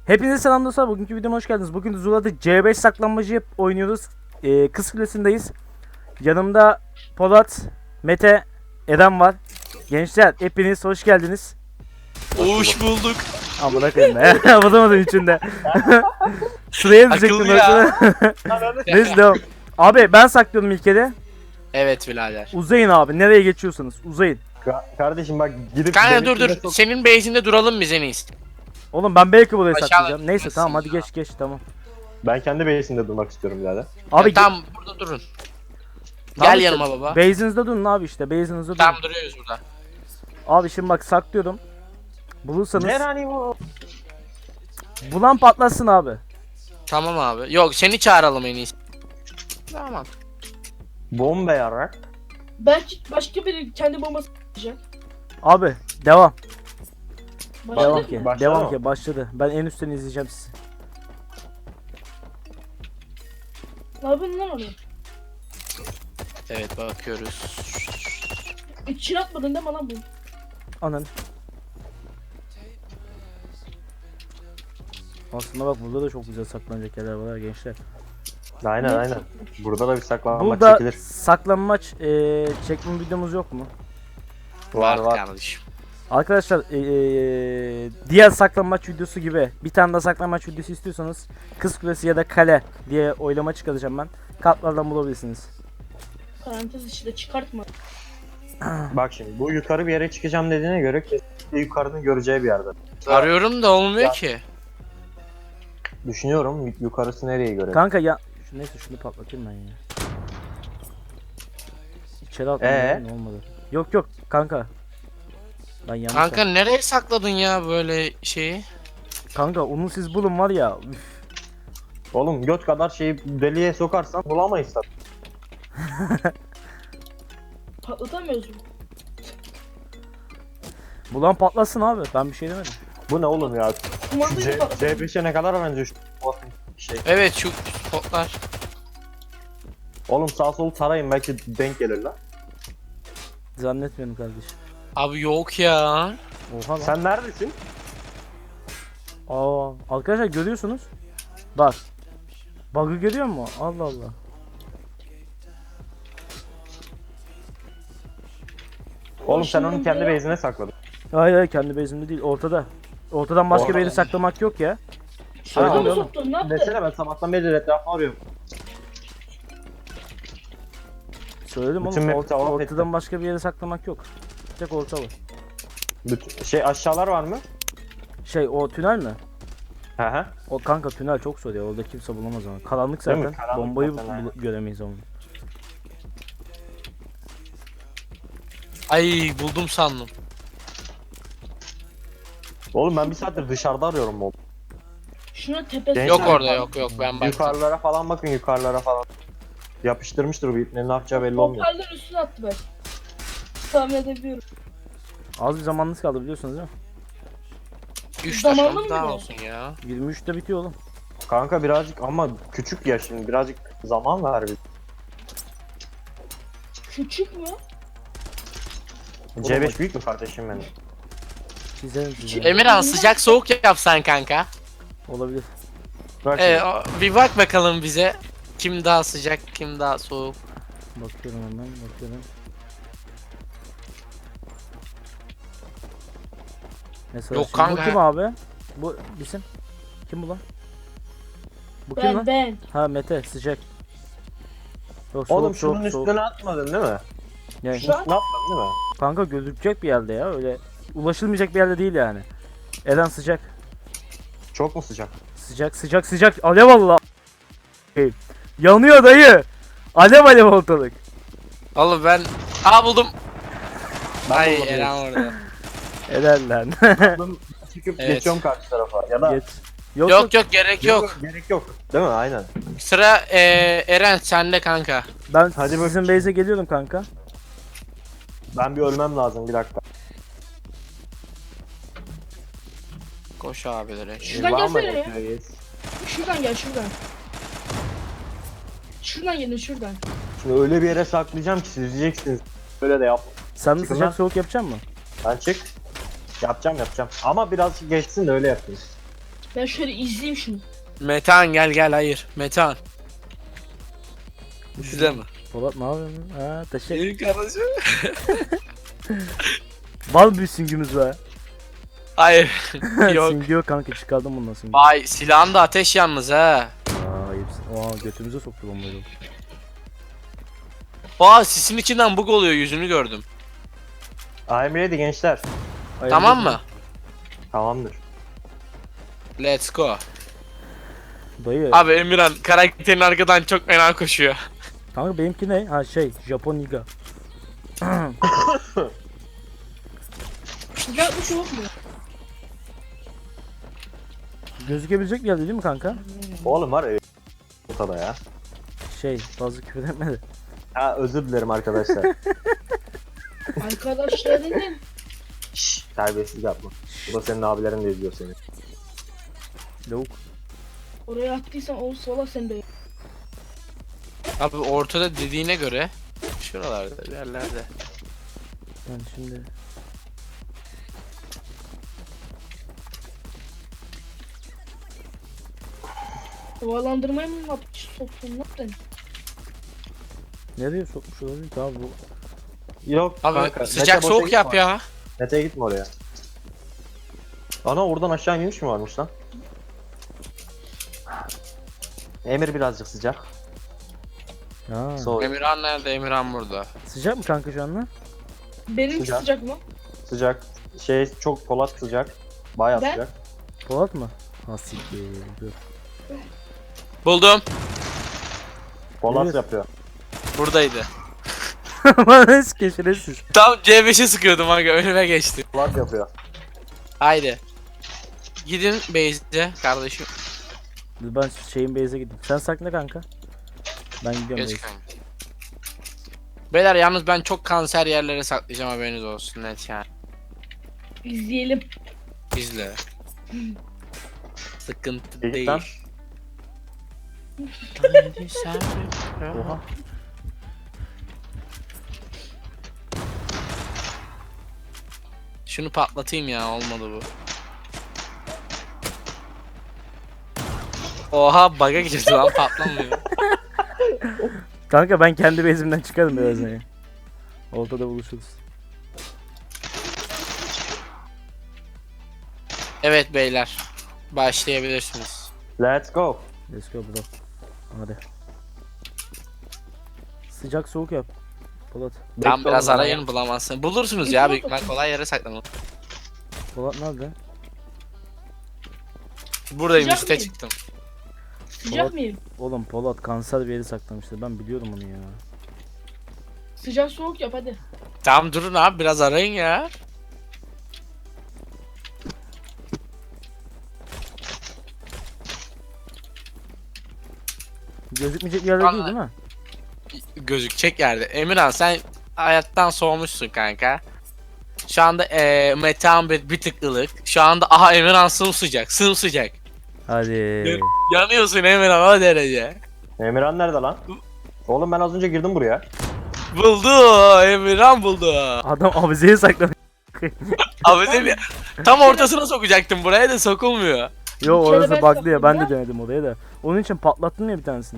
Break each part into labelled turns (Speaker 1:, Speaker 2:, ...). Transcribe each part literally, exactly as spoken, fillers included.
Speaker 1: Hepinize selam dostlar. Bugünkü videoma hoş geldiniz. Bugün Zula'da C beş saklanmacı oynuyoruz. Ee, Kız Kulesi'ndeyiz. Yanımda Polat, Mete, Eren var. Gençler hepiniz hoş geldiniz.
Speaker 2: Hoş bulduk.
Speaker 1: Amına koyayım ya. Bulamadım içinde. Sıraya diyecektim.
Speaker 2: Akıllı ya.
Speaker 1: Neyse devam. Abi ben saklıyorum ilk kere.
Speaker 2: Evet birader.
Speaker 1: Uzayın abi. Nereye geçiyorsanız uzayın.
Speaker 3: Ka- kardeşim bak gidip
Speaker 2: Kanka dur
Speaker 3: benimkine
Speaker 2: dur.
Speaker 3: sok-
Speaker 2: Senin base'inde duralım biz en iyisi.
Speaker 1: Oğlum ben belki burayı
Speaker 2: Aşağı
Speaker 1: saklayacağım. Neyse
Speaker 2: gitmezsin
Speaker 1: tamam hadi
Speaker 2: ya.
Speaker 1: geç geç tamam.
Speaker 3: Ben kendi base'inde durmak istiyorum birader.
Speaker 1: Abi
Speaker 2: Ya, tamam burada durun.
Speaker 1: Tamam
Speaker 2: Gel
Speaker 1: işte,
Speaker 2: yanıma baba.
Speaker 1: base'inizde durun abi işte. Base'inizde durun.
Speaker 2: Tamam duruyoruz burada.
Speaker 1: Abi şimdi bak saklıyorum. Bulursanız
Speaker 3: Nerani bu?
Speaker 1: bulan patlasın abi.
Speaker 2: Tamam abi. Yok seni çağıralım en iyisi. Tamam.
Speaker 3: Bomba yarak.
Speaker 4: Belki başka biri kendi bombası yapacak.
Speaker 1: Abi devam.
Speaker 4: Başladı
Speaker 1: Devam
Speaker 4: mı?
Speaker 1: ki.
Speaker 3: Başladı
Speaker 1: Devam
Speaker 3: mı?
Speaker 1: ki başladı. Ben en üstten izleyeceğim sizi.
Speaker 4: Ne yapıyorsun lan oraya?
Speaker 2: Evet bakıyoruz.
Speaker 4: İçine atmadın değil mi lan bu?
Speaker 1: Anan. Aslında bak burada da çok güzel saklanacak yerler var ha gençler.
Speaker 3: Aynen
Speaker 4: Ne?
Speaker 3: aynen. Burada da bir saklanmak
Speaker 1: Burada
Speaker 3: çekilir.
Speaker 1: saklanmaç eee çekme videomuz yok mu?
Speaker 3: Var var.
Speaker 2: kardeşim.
Speaker 1: Arkadaşlar eee, diğer saklanmaç videosu gibi bir tane daha saklanmaç videosu istiyorsanız Kız Kulesi ya da Kale diye oylama çıkaracağım ben. Kartlardan bulabilirsiniz.
Speaker 4: Parantez içinde çıkartma.
Speaker 3: Bak şimdi bu yukarı bir yere çıkacağım dediğine göre kesinlikle yukarının göreceği bir yerde.
Speaker 2: Arıyorum da olmuyor ki.
Speaker 3: Düşünüyorum y- yukarısı nereye göre.
Speaker 1: Kanka ya şu, neyse şunu patlatayım ben ya. İçeri atmadım
Speaker 3: Ee?
Speaker 1: ne olmadı. Yok yok kanka. Ben yanlış
Speaker 2: Kanka
Speaker 1: yaptım.
Speaker 2: nereye sakladın ya böyle şeyi?
Speaker 1: Kanka onu siz bulun var ya. Üf.
Speaker 3: Oğlum göt kadar şeyi deliğe sokarsan bulamayız tabii.
Speaker 4: Patlatamıyoruz mu?
Speaker 1: Bulan patlasın abi. Ben bir şey demedim.
Speaker 3: Bu ne oğlum ya?
Speaker 4: Kumandayı
Speaker 3: C-
Speaker 4: patlatamıyoruz.
Speaker 3: C beşe ne kadar benziyor şu şey.
Speaker 2: Evet şu spotlar.
Speaker 3: Oğlum sağ sol tarayın belki denk gelir lan.
Speaker 1: Zannetmiyorum kardeşim.
Speaker 2: Abi yok ya.
Speaker 1: Oha lan.
Speaker 3: Sen neredesin?
Speaker 1: Aa, arkadaşlar görüyorsunuz. Bak. Bug'ı görüyor musun? Allah Allah.
Speaker 3: Oğlum sen
Speaker 4: Başından
Speaker 3: onu kendi
Speaker 4: beri-
Speaker 3: base'ine sakladın.
Speaker 1: Hayır hayır kendi bezimde değil. Ortada. Ortadan başka bir yeri
Speaker 3: Ortada.
Speaker 1: saklamak yok ya.
Speaker 4: Şurada
Speaker 1: Söyledim
Speaker 4: mı
Speaker 1: oğlum.
Speaker 4: soktun? Ne yaptın?
Speaker 3: Desene ben sabahtan beri etrafını arıyorum.
Speaker 1: Söyledim
Speaker 3: Bütün
Speaker 1: oğlum.
Speaker 3: map'i
Speaker 1: Ort-
Speaker 3: tamam
Speaker 1: ortadan
Speaker 3: ettim.
Speaker 1: başka bir yere saklamak yok. Tek orta var.
Speaker 3: Bütün, şey aşağılar var mı?
Speaker 1: Şey o tünel mi?
Speaker 3: Hı hı.
Speaker 1: O kanka tünel çok zor ya. Orada kimse bulamaz ama. Karanlık
Speaker 3: Değil mi?
Speaker 1: zaten.
Speaker 3: Karanlık
Speaker 1: Bombayı
Speaker 3: zaten,
Speaker 1: bul-
Speaker 3: aynen.
Speaker 1: göremeyiz onu.
Speaker 2: Ay buldum sandım.
Speaker 3: Oğlum ben bir saattir dışarıda arıyorum oğlum.
Speaker 4: Şuna tepesi.
Speaker 3: Genç-
Speaker 2: Yok
Speaker 3: Neyse.
Speaker 2: orada yok yok ben baktım.
Speaker 3: Yukarılara falan bakın yukarılara falan. Yapıştırmıştır bu ipne, ne yapacağı belli olmuyor.
Speaker 4: Hoparlör üstüne attı ben. Tahmin edebiliyorum.
Speaker 1: Az bir zamanınız kaldı biliyorsunuz değil mi?
Speaker 2: üç
Speaker 4: Zamanlı
Speaker 2: dakika
Speaker 4: mı
Speaker 2: daha
Speaker 4: bir de?
Speaker 2: olsun ya.
Speaker 1: yirmi üçte bitiyor oğlum.
Speaker 3: Kanka birazcık ama küçük ya şimdi birazcık zaman ver bir.
Speaker 4: Küçük mü?
Speaker 3: C beş büyük mü kardeşim benim?
Speaker 1: Çizelim size.
Speaker 2: Emirhan sıcak soğuk yapsan kanka.
Speaker 1: Olabilir.
Speaker 3: Bak
Speaker 2: Ee,
Speaker 3: şimdi.
Speaker 2: o- bir bak bakalım bize. Kim daha sıcak, kim daha soğuk.
Speaker 1: Bakıyorum hemen bakıyorum. Mesela
Speaker 2: Yok
Speaker 1: şimdi
Speaker 2: kanka.
Speaker 1: bu kim abi? Bu bizim. Kim bu lan? Bu kim
Speaker 4: Ben
Speaker 1: lan?
Speaker 4: ben.
Speaker 1: Ha Mete sıcak. Yok, soğuk,
Speaker 3: Oğlum şunun
Speaker 1: soğuk, soğuk.
Speaker 3: üstüne atmadın değil mi?
Speaker 1: Yani,
Speaker 4: Şu an-
Speaker 3: Ne yaptın değil mi?
Speaker 1: kanka gözükecek bir yerde ya öyle ulaşılmayacak bir yerde değil yani. Eren sıcak.
Speaker 3: Çok mu sıcak?
Speaker 1: Sıcak sıcak sıcak alev Allah. Yanıyor dayı. Alev alev ortalık.
Speaker 2: Oğlum ben... Aa buldum.
Speaker 3: Ben
Speaker 2: Ay
Speaker 3: buldum.
Speaker 2: Eren orada.
Speaker 1: Eren lan.
Speaker 3: Buldum, çıkıp
Speaker 2: Evet.
Speaker 3: geçiyorum karşı tarafa ya da
Speaker 1: Geç. Yok yok.
Speaker 2: Yok yok gerek yok.
Speaker 3: gerek yok. Değil mi? Aynen.
Speaker 2: Sıra eee, Eren sende kanka.
Speaker 1: Ben
Speaker 3: Hadi
Speaker 1: sizin base'e geliyorum kanka.
Speaker 3: Ben bir ölmem lazım bir dakika.
Speaker 2: Koş abilere.
Speaker 4: Şuradan
Speaker 3: Var mı
Speaker 4: gelsene ya.
Speaker 3: reis?
Speaker 4: Şuradan gel şuradan. Şuradan gelin şuradan.
Speaker 3: Şimdi öyle bir yere saklayacağım ki siz diyeceksiniz. Böyle de yap.
Speaker 1: Sen de
Speaker 3: Çıkın
Speaker 1: sıcak
Speaker 3: lan.
Speaker 1: soğuk yapacaksın mı?
Speaker 3: Ben çık. Yapacağım yapacağım. Ama biraz geçsin de öyle yapayım.
Speaker 4: Ben şöyle izleyeyim şunu.
Speaker 2: Metehan gel gel hayır. Metehan. Size mi?
Speaker 1: Polat ne yapıyorsun? Ha taşı.
Speaker 2: Benim kardeşim.
Speaker 1: Bal bir süngümüz var.
Speaker 2: Hayır. Yok.
Speaker 1: Süngü yok kanka, çıkardım bundan süngü.
Speaker 2: Vay silahın da ateş yalnız ha.
Speaker 1: Aa ayıpsın. Aa götümüze soktu bombayı.
Speaker 2: Aa sisin içinden bug oluyor yüzünü gördüm.
Speaker 3: I'm ready gençler.
Speaker 1: Hayırlı
Speaker 2: Tamam
Speaker 1: olsun.
Speaker 2: mı?
Speaker 3: Tamamdır.
Speaker 2: Let's go.
Speaker 1: Dayı.
Speaker 2: Abi Emirhan karakterin arkadan çok fena koşuyor.
Speaker 1: Kanka benimki ne? Ha şey Japon Niga.
Speaker 4: Sıcak bir şey yok mu?
Speaker 1: Gözükebilecek bir yerde değil mi kanka?
Speaker 3: Oğlum var ya ortada ya.
Speaker 1: Şey fazla küfür etmedi.
Speaker 3: Ha özür dilerim arkadaşlar.
Speaker 4: Arkadaşlar dedim.
Speaker 3: Şşş terbiyesiz yapma. Bu da senin abilerin de izliyor seni.
Speaker 1: Lavuk.
Speaker 4: Oraya attıysan o sola sen de.
Speaker 2: Abi ortada dediğine göre şuralarda bir yerlerde.
Speaker 1: Yani şimdi
Speaker 4: Havalandırmaya mı yapmış soktun lan sen?
Speaker 1: nereye sokmuş olabilir ki abi bu?
Speaker 3: Yok
Speaker 2: Abi
Speaker 3: kanka.
Speaker 2: sıcak
Speaker 3: Mete boşa
Speaker 2: soğuk
Speaker 3: gitme.
Speaker 2: yap ya.
Speaker 3: Mete'ye gitme oraya. Ana oradan aşağı iniş mi varmış lan? Emir birazcık sıcak.
Speaker 1: Ha.
Speaker 3: Soğuk.
Speaker 2: Emirhan nerede? Emirhan burada.
Speaker 1: Sıcak mı kanka şu anda?
Speaker 4: Benimki
Speaker 3: Sıcak.
Speaker 4: sıcak mı?
Speaker 3: Sıcak. Şey çok Polat sıcak. Bayağı
Speaker 4: Ben-
Speaker 3: sıcak.
Speaker 1: Polat mı? Ha siktir. Dur.
Speaker 2: Buldum.
Speaker 3: Polat
Speaker 1: Evet.
Speaker 3: yapıyor.
Speaker 2: Buradaydı.
Speaker 1: Bana keşiresiz.
Speaker 2: Tam C beşe sıkıyordum aga önüme geçti.
Speaker 3: Polat yapıyor.
Speaker 2: Haydi. Gidin base'e kardeşim.
Speaker 1: Ben şeyin base'e gideyim. Sen sakla kanka. Ben gidiyorum
Speaker 2: Geç
Speaker 1: base'e.
Speaker 2: kanka. Beyler yalnız ben çok kanser yerlere saklayacağım haberiniz olsun net yani.
Speaker 4: İzleyelim.
Speaker 2: İzle. Sıkıntı
Speaker 3: İyi
Speaker 2: değil.
Speaker 3: lan.
Speaker 2: Haydi sen-
Speaker 1: Oha.
Speaker 2: Şunu patlatayım ya olmadı bu. Oha bug'a girdi lan patlamıyor.
Speaker 1: Kanka ben kendi base'imden çıkarım birazdan ya. Ortada buluşuruz.
Speaker 2: Evet beyler. Başlayabilirsiniz.
Speaker 3: Let's go.
Speaker 1: Let's go bro. Hadi. Sıcak soğuk yap. Polat.
Speaker 2: Tam
Speaker 3: Bekle
Speaker 2: biraz
Speaker 3: oğlum ya.
Speaker 2: arayın bulamazsın. Bulursunuz ya büyük ihtimal kolay yere saklanın.
Speaker 1: Polat nerede?
Speaker 2: Buradayım
Speaker 4: Sıcak
Speaker 2: üste
Speaker 4: mıyım?
Speaker 2: çıktım.
Speaker 4: Sıcak
Speaker 1: Polat.
Speaker 4: mıyım?
Speaker 1: Oğlum Polat kanser bir yeri saklamıştı. Ben biliyorum onu ya.
Speaker 4: Sıcak soğuk yap hadi.
Speaker 2: Tamam durun abi biraz arayın ya.
Speaker 1: Gözükmeyecek bir yerde
Speaker 2: Anla-
Speaker 1: değil değil mi?
Speaker 2: Gözükecek yerde. Emirhan sen hayattan soğumuşsun kanka. Şu anda eee Metehan bir, bir tık ılık. Şu anda aha Emirhan sımsıcak sımsıcak.
Speaker 1: Hadi.
Speaker 2: Yanıyorsun Emirhan o derece.
Speaker 3: Emirhan nerede lan? Oğlum ben az önce girdim buraya.
Speaker 2: Buldu Emirhan buldu.
Speaker 1: Adam avizeye saklamış.
Speaker 2: Abi seni tam ortasına sokacaktım buraya da sokulmuyor.
Speaker 1: Yo
Speaker 4: Bir kere
Speaker 1: orası
Speaker 4: ben
Speaker 1: bug'lı ya. Ben de
Speaker 4: sakladım
Speaker 1: denedim oraya da. Onun için patlattım ya bir tanesini.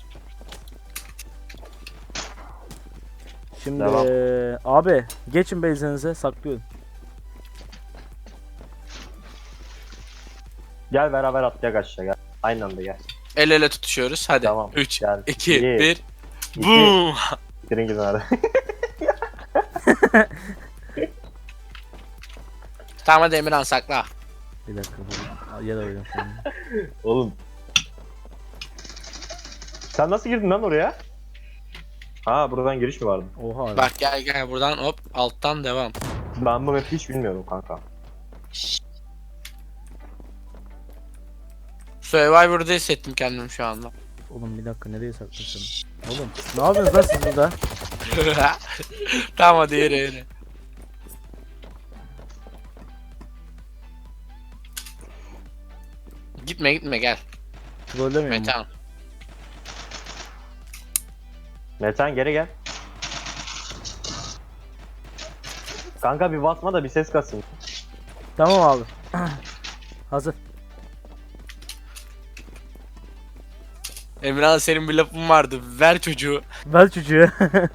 Speaker 1: Şimdi
Speaker 3: Devam.
Speaker 1: eee, abi geçin base'inize saklıyorum.
Speaker 3: Gel beraber atlayak aşağı gel. Aynı anda gel.
Speaker 2: El ele tutuşuyoruz hadi.
Speaker 3: Tamam,
Speaker 2: üç,
Speaker 3: gel.
Speaker 2: iki,
Speaker 3: Bir,
Speaker 2: bir.
Speaker 3: iki.
Speaker 2: Boom.
Speaker 3: Girin gidin hadi.
Speaker 2: Tamam hadi Emirhan sakla.
Speaker 1: Bir dakika. bu- Yer arıyorum şimdi.
Speaker 3: Oğlum. Sen nasıl girdin lan oraya? Ha buradan giriş mi vardı?
Speaker 1: Oha abi.
Speaker 2: Bak gel gel buradan hop alttan devam.
Speaker 3: Ben bu map'i hiç bilmiyorum kanka.
Speaker 2: Survivor'da hissettim kendimi şu anda.
Speaker 1: Oğlum bir dakika nereye saklasın? Oğlum ne yapıyorsunuz lan siz burada?
Speaker 2: Tamam hadi yürü yürü. Gitme gitme gel.
Speaker 1: Trollemeyin mi?
Speaker 2: Metehan.
Speaker 3: Metan geri gel. Kanka bir basma da bir ses kasın.
Speaker 1: Tamam abi. Hazır.
Speaker 2: Emirhan senin bir lafın vardı. Ver çocuğu.
Speaker 1: Ver çocuğu.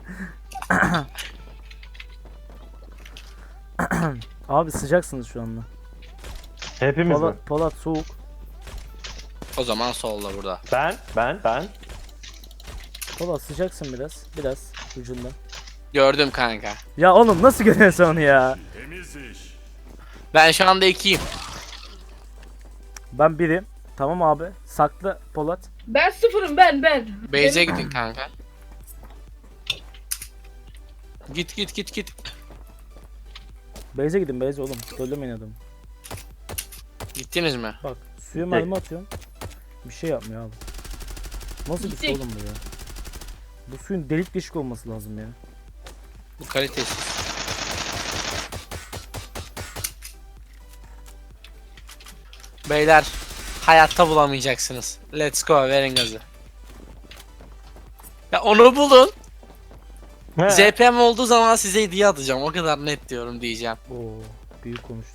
Speaker 1: Abi sıcaksınız şu anda.
Speaker 3: Hepimiz mi?
Speaker 1: Polat, Polat soğuk.
Speaker 2: O zaman solla burada.
Speaker 3: Ben, ben, ben.
Speaker 1: Polat sıcaksın biraz. Biraz ucundan.
Speaker 2: Gördüm kanka.
Speaker 1: Ya oğlum nasıl görüyorsun onu ya?
Speaker 2: Ben şu anda ikiyim.
Speaker 1: Ben birim. Tamam abi. Saklı Polat.
Speaker 4: Ben sıfırım ben ben.
Speaker 2: Beyze gidin kanka. Git git git git.
Speaker 1: Beyze gidin Beyze oğlum. Söylemeyin adamı.
Speaker 2: Gittiniz mi?
Speaker 1: Bak suya mermi atıyorum. Bir şey yapmıyor abi. Nasıl bir su
Speaker 4: Gittik.
Speaker 1: oğlum bu ya? Bu suyun delik deşik olması lazım ya.
Speaker 2: Bu kalitesiz. Beyler hayatta bulamayacaksınız. Let's go, verin gazı. Ya onu bulun.
Speaker 3: He.
Speaker 2: Z P M olduğu zaman size hediye atacağım. O kadar net diyorum diyeceğim.
Speaker 1: Oo, büyük konuştu.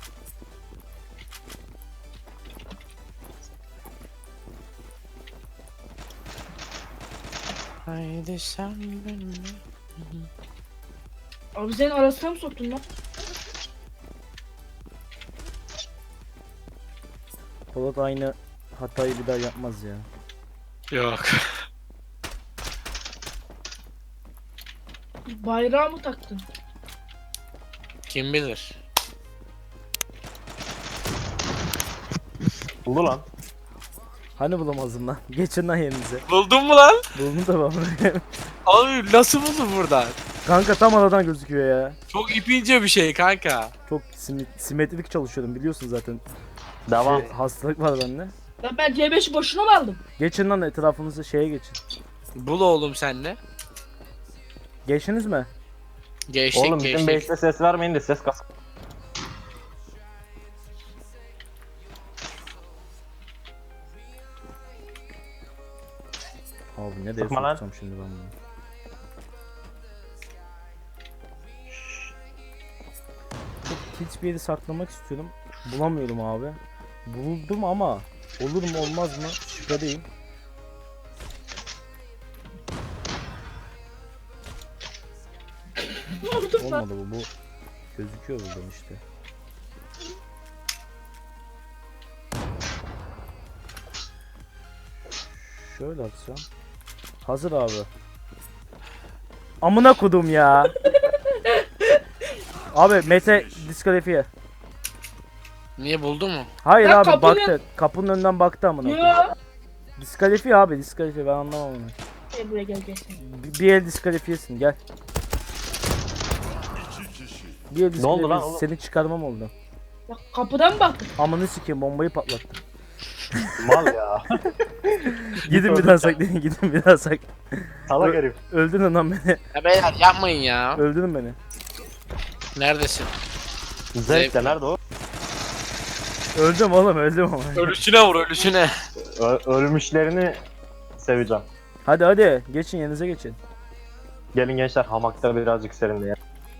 Speaker 2: Haydi sen benimle.
Speaker 4: Abi sen arasına mı soktun lan?
Speaker 1: Polat aynı hatayı bir daha yapmaz ya.
Speaker 2: Yok.
Speaker 4: Bayrağı mı taktın?
Speaker 2: Kim bilir.
Speaker 3: Buldu lan.
Speaker 1: Hani bulamazdın lan? Geçin lan yerinize.
Speaker 2: Buldun mu lan?
Speaker 1: Buldum da ben.
Speaker 2: Abi nasıl buldun buradan?
Speaker 1: Kanka tam aradan gözüküyor ya.
Speaker 2: Çok ipince bir şey kanka.
Speaker 1: Çok sim- simetrik çalışıyorum biliyorsun zaten.
Speaker 3: Devam.
Speaker 1: Şey, hastalık var bende.
Speaker 4: Lan ben C beşi boşuna mı aldım?
Speaker 1: Geçin lan etrafınızı şeye geçin.
Speaker 2: Bul oğlum senle.
Speaker 1: Geçtiniz mi?
Speaker 2: Geçtik
Speaker 3: Oğlum bizim
Speaker 2: geçtik.
Speaker 3: base'de ses vermeyin de ses kas.
Speaker 1: Abi nereye
Speaker 3: Sıkma lan.
Speaker 1: sokacağım şimdi ben bunu? Çok hiçbir yeri saklamak istiyorum. Bulamıyorum abi. Buldum ama olur mu olmaz mı şüphedeyim.
Speaker 4: Ne oldu lan?
Speaker 1: Olmadı bu. Bu gözüküyor buradan işte. Şöyle atsam. Hazır abi. Amına kodum ya. Abi Mete diskalifiye.
Speaker 2: Niye buldu mu?
Speaker 1: Hayır
Speaker 4: Ya
Speaker 1: abi
Speaker 4: kapının-
Speaker 1: baktı. Kapının önünden baktı amına kodum.
Speaker 4: Ya.
Speaker 1: Diskalifiye abi diskalifiye ben anlamam onu.
Speaker 4: Gel buraya gel gel sen.
Speaker 1: Bir, bir el diskalifiyesin gel. Bir el
Speaker 3: Ne oldu lan
Speaker 1: diskalifiyesin.
Speaker 3: oğlum?
Speaker 1: Seni çıkarmam oldu.
Speaker 4: Ya kapıdan mı baktın?
Speaker 1: Amını sikeyim bombayı patlattım.
Speaker 3: Mal ya.
Speaker 1: Gidin bir daha saklayın gidin bir daha saklayın.
Speaker 3: Salak herif.
Speaker 1: Öldürün lan beni.
Speaker 2: Ya beyler yapmayın ya.
Speaker 1: Öldürün beni.
Speaker 2: Neredesin?
Speaker 3: Zevk de nerede o?
Speaker 1: Öldüm oğlum öldüm ama.
Speaker 2: Ölüsüne vur ölüsüne.
Speaker 3: Ö- ölmüşlerini seveceğim.
Speaker 1: Hadi hadi geçin yerinize geçin.
Speaker 3: Gelin gençler hamakta birazcık serinleyelim.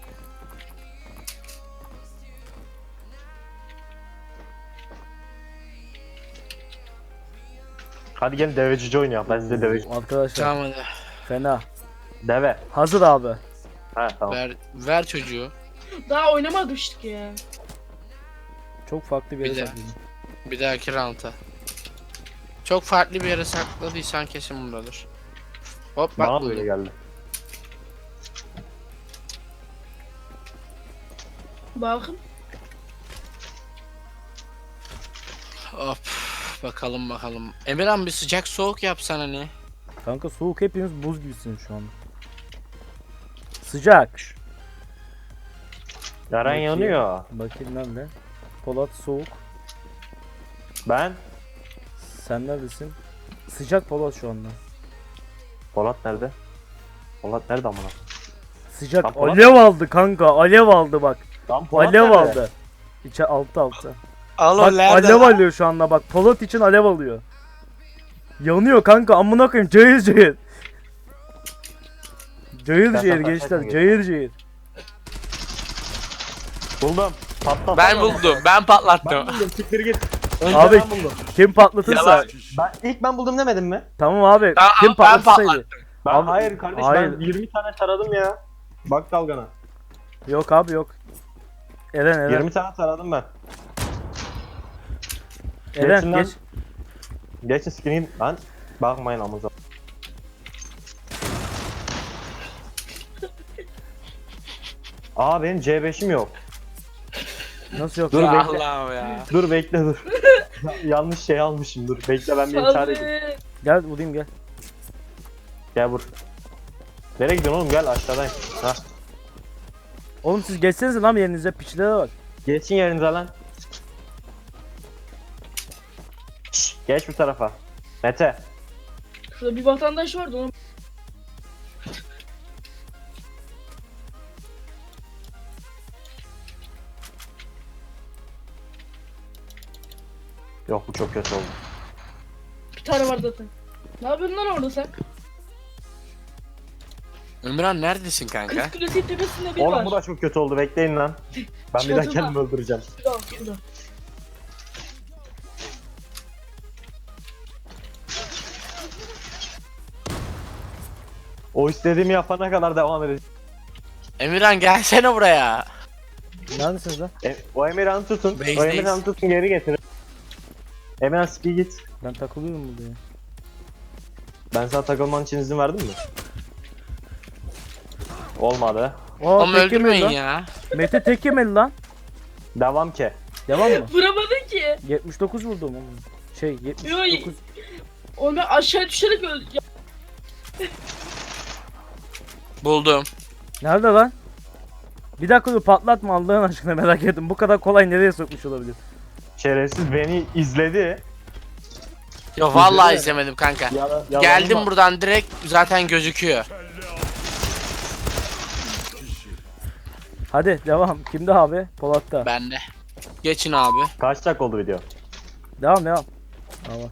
Speaker 3: Hadi gelin devecici oynayalım. Ben size deveci.
Speaker 1: Arkadaşlar
Speaker 2: Tamam hadi.
Speaker 1: fena.
Speaker 3: Deve.
Speaker 1: Hazır abi.
Speaker 3: He tamam.
Speaker 2: Ver, ver çocuğu.
Speaker 4: Daha oynamamıştık ya.
Speaker 1: Çok farklı bir yere
Speaker 2: Bir de.
Speaker 1: saklayın.
Speaker 2: Bir dahaki round'a. Çok farklı bir yere sakladıysan kesin buradadır. Hop bak
Speaker 3: Bana da öyle
Speaker 2: buldum.
Speaker 3: geldi.
Speaker 4: Bakın.
Speaker 2: Hop bakalım bakalım. Emirhan bir sıcak soğuk yapsan hani.
Speaker 1: Kanka soğuk hepiniz buz gibisiniz şu anda. Sıcak.
Speaker 3: Yaren
Speaker 1: Bakayım.
Speaker 3: yanıyor.
Speaker 1: Bakayım nerede? Polat soğuk.
Speaker 3: Ben.
Speaker 1: Sen neredesin? Sıcak Polat şu anda.
Speaker 3: Polat nerede? Polat nerede amına?
Speaker 1: Sıcak.
Speaker 3: Lan Polat-
Speaker 1: Alev aldı kanka. Alev aldı bak.
Speaker 3: Lan Polat
Speaker 1: Alev
Speaker 3: nerede?
Speaker 1: aldı. İçe altta altta.
Speaker 2: Al
Speaker 1: Bak alev alıyor şu anda bak. Polat için alev alıyor. Yanıyor kanka amına koyayım cayır cayır. Cayır
Speaker 3: Ben
Speaker 1: cayır
Speaker 3: sana
Speaker 1: gençler
Speaker 3: kaçayım
Speaker 1: cayır cayır.
Speaker 3: Buldum. Patlat.
Speaker 2: Ben buldum. Ben patlattım.
Speaker 3: Ben buldum. Siktir git. Önce
Speaker 1: Abi
Speaker 3: ben buldum.
Speaker 1: kim patlatırsa.
Speaker 2: Yalan.
Speaker 3: Ben, ilk ben buldum demedim mi?
Speaker 1: Tamam abi.
Speaker 2: Tamam,
Speaker 1: kim
Speaker 2: ben
Speaker 1: patlatırsaydı.
Speaker 2: patlattım.
Speaker 3: Ben,
Speaker 1: Abi-
Speaker 3: hayır kardeş
Speaker 1: hayır.
Speaker 3: ben yirmi tane taradım ya. Bak dalgana.
Speaker 1: Yok abi yok. Eren Eren.
Speaker 3: yirmi tane taradım ben.
Speaker 1: Eren
Speaker 3: Geçin lan.
Speaker 1: geç.
Speaker 3: Geçin skin'in lan. Bakmayın amuza. Aa benim C beşim yok.
Speaker 1: Nasıl yok?
Speaker 3: Dur
Speaker 2: Ya
Speaker 3: bekle.
Speaker 2: Allah'ım ya.
Speaker 3: Dur bekle dur. Yanlış şey almışım dur. Bekle ben bir intihar edeyim.
Speaker 4: Abi.
Speaker 1: Gel vurayım gel.
Speaker 3: Gel vur. Nereye gidiyorsun oğlum gel aşağıdayım. Ha.
Speaker 1: Oğlum siz geçsenize lan yerinize piçlere bak.
Speaker 3: Geçin yerinize lan. Şşş, geç bu tarafa. Mete.
Speaker 4: Şurada bir vatandaş vardı ona.
Speaker 3: Yok bu çok kötü oldu.
Speaker 4: Bir tane var zaten. Ne yapıyorsun lan orada sen?
Speaker 2: Ömran neredesin kanka?
Speaker 4: Kız kulesi tepesinde bir
Speaker 3: Oğlum
Speaker 4: var.
Speaker 3: bu da çok kötü oldu bekleyin lan. Ben bir daha
Speaker 4: Çatıda.
Speaker 3: kendimi öldüreceğim.
Speaker 4: Şurada, şurada.
Speaker 3: O istediğimi yapana kadar devam edeceğim.
Speaker 2: Emirhan gelsene buraya.
Speaker 1: Neredesiniz lan?
Speaker 3: E, o Emirhan'ı tutun.
Speaker 2: Base'deyiz.
Speaker 3: O Emirhan'ı tutun geri getirin. Emirhan speed git.
Speaker 1: Ben takılıyorum burada ya.
Speaker 3: Ben sana takılman için izin verdim mi? Olmadı.
Speaker 1: Aa,
Speaker 2: Ama
Speaker 1: tek yemedi
Speaker 2: öldürmeyin
Speaker 1: lan.
Speaker 2: ya.
Speaker 1: Mete tek yemedi lan.
Speaker 3: Devam ki.
Speaker 1: Devam mı?
Speaker 4: Vuramadın ki.
Speaker 1: yetmiş dokuz vurdum oğlum. Şey yetmiş dokuz.
Speaker 4: Onu ben aşağı düşerek öldüm. Ya,
Speaker 2: Buldum.
Speaker 1: Nerede lan? Bir dakika dur patlatma Allah'ın aşkına merak ettim. Bu kadar kolay nereye sokmuş olabilir?
Speaker 3: Şerefsiz beni izledi.
Speaker 2: Yo vallahi
Speaker 3: İzledi.
Speaker 2: izlemedim kanka.
Speaker 3: Yala, yalanıma-
Speaker 2: Geldim buradan direkt zaten gözüküyor.
Speaker 1: Hadi devam. Kimde abi? Polat'ta.
Speaker 2: Bende. Geçin abi.
Speaker 3: Kaç dakika oldu video?
Speaker 1: Devam devam. Tamam.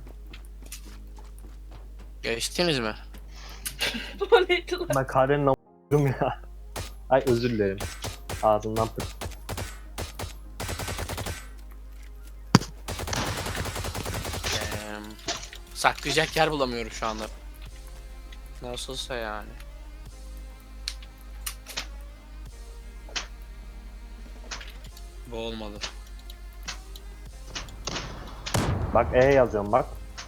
Speaker 2: Geçtiniz mi?
Speaker 4: bu neydi lan?
Speaker 3: Ben Karen'in a**ım ya. Ay özür dilerim. Ağzımdan pırt.
Speaker 2: Ee, saklayacak yer bulamıyorum şu anda. Nasılsa yani. Bu olmadı.
Speaker 3: Bak E yazıyorum bak.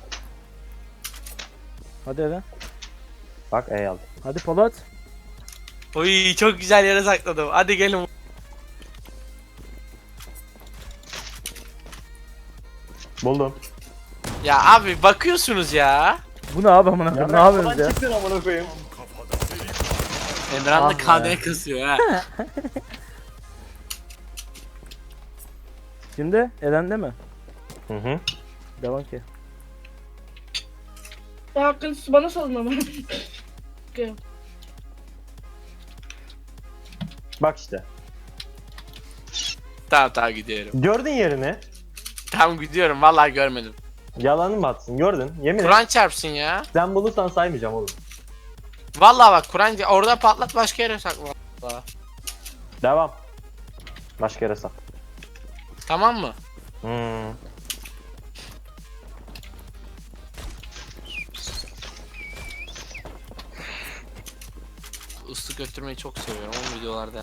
Speaker 1: Hadi Eren.
Speaker 3: Bak E yazdım.
Speaker 1: Hadi Polat.
Speaker 2: Oy çok güzel yere sakladım. Hadi gelin.
Speaker 3: Buldum.
Speaker 2: Ya abi bakıyorsunuz ya.
Speaker 1: Bu ne abi amına koyayım? Ne yapıyorsunuz ya?
Speaker 3: Çıktın amına koyayım.
Speaker 2: Emran da
Speaker 1: Ah be.
Speaker 2: K D kısıyor ha.
Speaker 1: Şimdi Eren'de mi?
Speaker 3: Hı hı.
Speaker 1: Devam ki.
Speaker 4: Ya hakkını bana salın ama. Okey.
Speaker 3: Bak işte.
Speaker 2: Tamam tamam gidiyorum.
Speaker 3: Gördün yerini.
Speaker 2: Tamam gidiyorum vallahi görmedim.
Speaker 3: Yalanın mı atsın gördün. Yemin et.
Speaker 2: Kur'an çarpsın ya.
Speaker 3: Sen bulursan saymayacağım oğlum.
Speaker 2: Vallahi bak Kur'an orada patlat başka yere sakla. Vallahi.
Speaker 3: Devam. Başka yere sak.
Speaker 2: Tamam mı?
Speaker 3: Hmm.
Speaker 2: Islık götürmeyi çok seviyorum ama videolarda.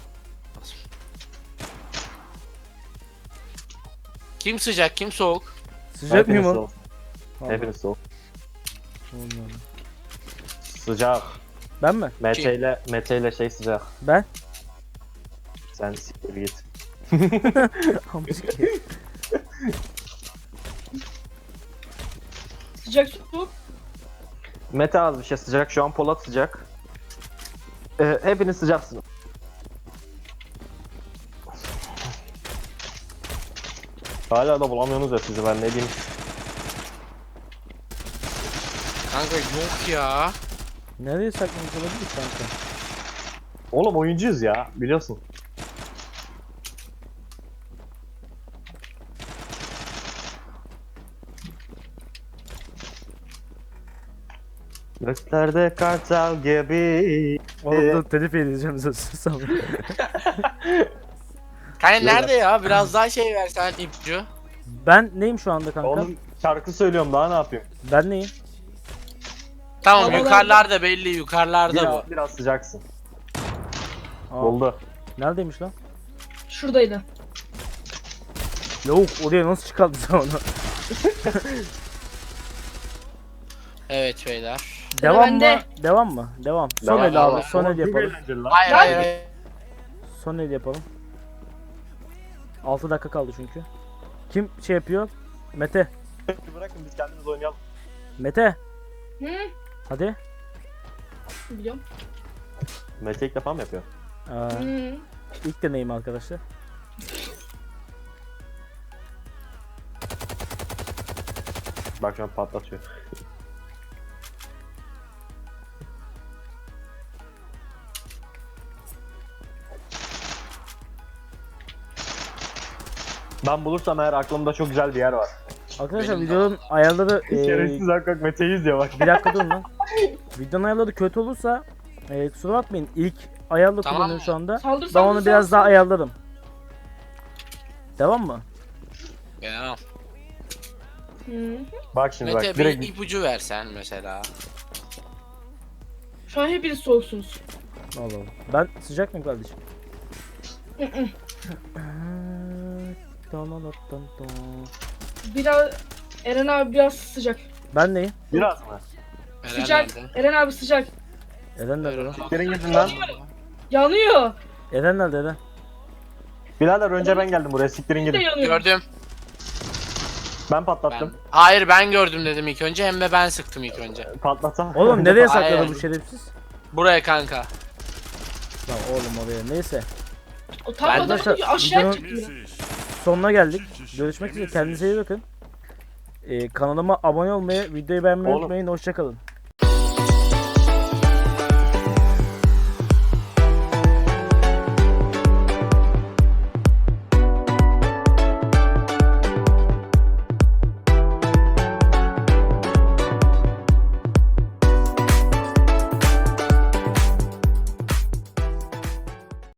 Speaker 2: Kim sıcak kim soğuk?
Speaker 1: Sıcak mıyım
Speaker 3: Hepiniz
Speaker 1: oğlum?
Speaker 3: soğuk.
Speaker 1: Vallahi.
Speaker 3: Hepiniz soğuk.
Speaker 1: Vallahi.
Speaker 3: Sıcak.
Speaker 1: Ben mi?
Speaker 3: Mete ile Mete ile şey sıcak.
Speaker 1: Ben?
Speaker 3: Sen siktir git.
Speaker 1: Amcık.
Speaker 4: Sıcak su.
Speaker 3: Mete az bir şey sıcak. Şu an Polat sıcak. Ee, hepiniz sıcaksınız. Hala da bulamıyorsunuz ya sizi ben ne diyeyim.
Speaker 2: Kanka yok ya.
Speaker 1: Nereye saklamış olabilir kanka?
Speaker 3: Oğlum oyuncuyuz ya biliyorsun. Göklerde kartal gibi.
Speaker 1: Oğlum dur telif edeceğim sus ama.
Speaker 2: Kanka nerede ya? Biraz daha şey versen ipucu.
Speaker 1: Ben neyim şu anda kanka?
Speaker 3: Oğlum şarkı söylüyorum daha ne yapayım?
Speaker 1: Ben neyim?
Speaker 2: Tamam
Speaker 4: Havalarda-
Speaker 2: yukarılarda belli yukarılarda
Speaker 3: Biraz,
Speaker 2: bu.
Speaker 3: biraz sıcaksın.
Speaker 1: Aa,
Speaker 3: Oldu.
Speaker 1: neredeymiş lan?
Speaker 4: Şuradaydı.
Speaker 1: Lavuk oraya nasıl çıkardın sen onu?
Speaker 2: Evet beyler.
Speaker 1: Devam mı?
Speaker 4: bende.
Speaker 1: Devam mı? Devam. Son
Speaker 3: Devam,
Speaker 1: el
Speaker 2: devam.
Speaker 1: abi. Son el
Speaker 3: Çok
Speaker 1: yapalım.
Speaker 3: eğlenceli lan.
Speaker 2: Hayır hayır. hayır.
Speaker 1: Son el yapalım. altı dakika kaldı çünkü. Kim şey yapıyor? Mete.
Speaker 3: Bırakın biz kendimiz oynayalım.
Speaker 1: Mete.
Speaker 4: Hı?
Speaker 1: Hadi.
Speaker 4: Biliyorum.
Speaker 3: Mete ilk defa mı yapıyor?
Speaker 1: Aa,
Speaker 4: Hı.
Speaker 1: ilk deneyim arkadaşlar.
Speaker 3: Bak şu an patlatıyor. Ben bulursam eğer aklımda çok güzel bir yer var.
Speaker 1: Arkadaşlar
Speaker 2: Benim de
Speaker 1: videonun ayarları e,
Speaker 3: Şerefsiz hakikaten Mete'yi izliyor bak.
Speaker 1: bir dakika durun lan. Videonun ayarları kötü olursa e, kusura bakmayın. İlk ayarla
Speaker 2: Tamam.
Speaker 1: kullanıyorum şu anda.
Speaker 4: Saldır
Speaker 1: Ben
Speaker 4: saldır
Speaker 1: onu biraz
Speaker 4: saldır,
Speaker 1: daha
Speaker 4: saldır.
Speaker 1: ayarlarım. Devam mı?
Speaker 2: Ya.
Speaker 4: Hı.
Speaker 3: Bak şimdi
Speaker 2: Mete
Speaker 3: bak
Speaker 2: bir
Speaker 3: direkt
Speaker 2: ipucu versen mesela.
Speaker 4: Şu an hepiniz soğuksunuz.
Speaker 1: Allah Allah. Ben sıcak mıyım kardeşim?
Speaker 4: Hı hı.
Speaker 1: Ee,
Speaker 4: Biraz Eren abi biraz sıcak.
Speaker 1: Ben neyim?
Speaker 3: biraz mı?
Speaker 2: Eren
Speaker 4: Sıcak.
Speaker 2: nerede?
Speaker 4: Eren abi sıcak.
Speaker 1: Eren nerede lan?
Speaker 3: Siktirin gidin lan.
Speaker 4: Yanıyor.
Speaker 1: Eren nerede Eren?
Speaker 3: Birader önce ben geldim buraya siktirin
Speaker 4: Bir de
Speaker 3: gidin.
Speaker 4: yanıyor.
Speaker 2: Gördüm.
Speaker 3: Ben
Speaker 2: Ben.
Speaker 3: patlattım.
Speaker 2: Hayır ben gördüm dedim ilk önce hem de ben sıktım ilk önce.
Speaker 3: Patlatsam.
Speaker 1: Oğlum nereye
Speaker 2: Hayır.
Speaker 1: sakladı bu şerefsiz?
Speaker 2: Buraya kanka.
Speaker 1: Lan oğlum oraya. Neyse.
Speaker 4: O tam
Speaker 2: Ben-
Speaker 4: adam
Speaker 1: Arkadaşlar,
Speaker 4: aşağı
Speaker 1: videonun-
Speaker 4: çıktı.
Speaker 1: Sonuna geldik. Görüşmek üzere. Kendinize iyi bakın. Ee, kanalıma abone olmayı, videoyu beğenmeyi
Speaker 3: Oğlum.
Speaker 1: unutmayın. Hoşçakalın.